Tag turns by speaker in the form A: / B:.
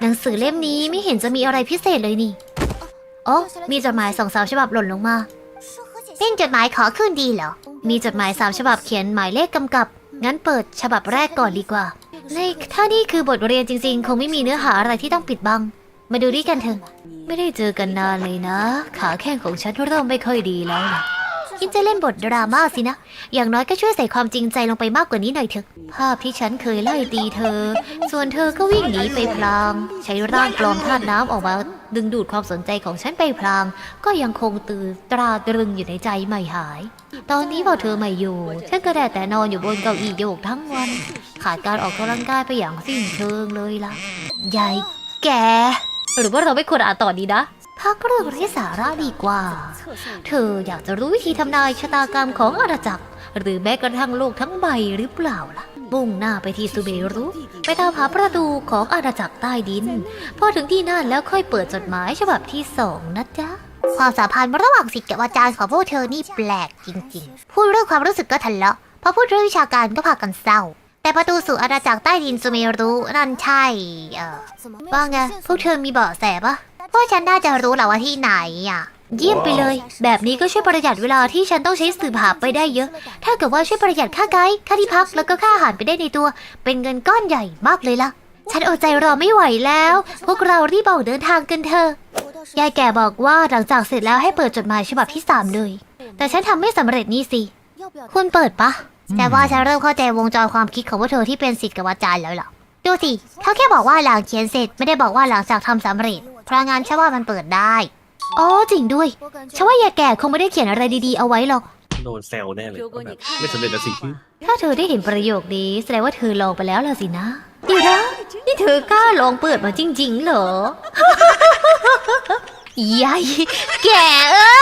A: หนังสือเล่มนี้ไม่เห็นจะมีอะไรพิเศษเลยนี่โอ้มีจดหมาย2-3 ฉบับหล่นลงมาเป็นจดหมายขอคืนดีเหรอมีจดหมาย3 ฉบับเขียนหมายเลขกำกับงั้นเปิดฉบับแรกก่อนดีกว่าถ้านี่คือบทเรียนจริงๆคงไม่มีเนื้อหาอะไรที่ต้องปิดบังมาดูด้วยกันเถอะไม่ได้เจอกันนานเลยนะขาแข้งของฉันเริ่มไม่ค่อยดีแล้วนะคิดจะเล่นบทดราม่าสินะอย่างน้อยก็ช่วยใส่ความจริงใจลงไปมากกว่านี้หน่อยเถอะภาพที่ฉันเคยไล่ตีเธอส่วนเธอก็วิ่งหนีไปพลางใช้ร่างปลอมธาตุน้ำออกมาดึงดูดความสนใจของฉันไปพลางก็ยังคงตราตรึงอยู่ในใจไม่หายตอนนี้พอเธอไม่อยู่ฉันก็ได้แต่นอนอยู่บนเก้าอี้โยกทั้งวันขาดการออกกำลังกายไปอย่างสิ้นเชิงเลยล่ะยายแกหรือว่าเราไม่ควรอ่านต่อดีนะพักเรื่องไร้สาระดีกว่าเธออยากจะรู้วิธีทำนายชะตากรรมของอาณาจักรหรือแม้กระทั่งโลกทั้งใบหรือเปล่าล่ะมุ่งหน้าไปที่ซูเบรุไปตามหาประตูของอาณาจักรใต้ดินพอถึงที่นั่นแล้วค่อยเปิดจดหมายฉบับที่2นะจ๊ะความสัมพันธ์ระหว่างศิษย์กับอาจารย์ของพวกเธอนี่แปลกจริงๆพูดเรื่องความรู้สึกก็ทะเลาะพอพูดเรื่องวิชาการก็พากันเศร้าแต่ประตูสู่อาณาจักรใต้ดินซูเมรุนั่นใช่ว่าไงพวกเธอมีเบาะแสปะพวกฉันน่าจะรู้แหละว่าที่ไหนเยี่ยมไปเลยแบบนี้ก็ช่วยประหยัดเวลาที่ฉันต้องใช้สืบหาไปได้เยอะถ้าเกิดว่าช่วยประหยัดค่าไกด์ค่าที่พักแล้วก็ค่าอาหารไปได้ในตัวเป็นเงินก้อนใหญ่มากเลยล่ะฉันอดใจรอไม่ไหวแล้วพวกเรารีบออกเดินทางกันเถอะยายแก่บอกว่าหลังจากเสร็จแล้วให้เปิดจดหมายฉบับที่3เลยแต่ฉันทำไม่สำเร็จนี่สิคุณเปิดปะแต่ว่าฉันเริ่มเข้าใจวงจรความคิดของพวกเธอที่เป็นศิษย์กับอาจารย์แล้วล่ะดูสิเขาแค่บอกว่าหลังเขียนเสร็จไม่ได้บอกว่าหลังจากทำสำเร็จเพราะงั้นฉันว่ามันเปิดได้อ๋อจริงด้วยฉันว่ายายแก่คงไม่ได้เขียนอะไรดีๆเอาไว้หรอก
B: โดนแซวแน่เลยแบบไม่สำเร็จแล้วสิ
A: ถ้าเธอได้เห็นประโยคนี้แสดงว่าเธอลองไปแล้วล่ะสินะเดี๋ยวนะนี่เธอกล้าลองเปิดมาจริงๆเหรอยายแก่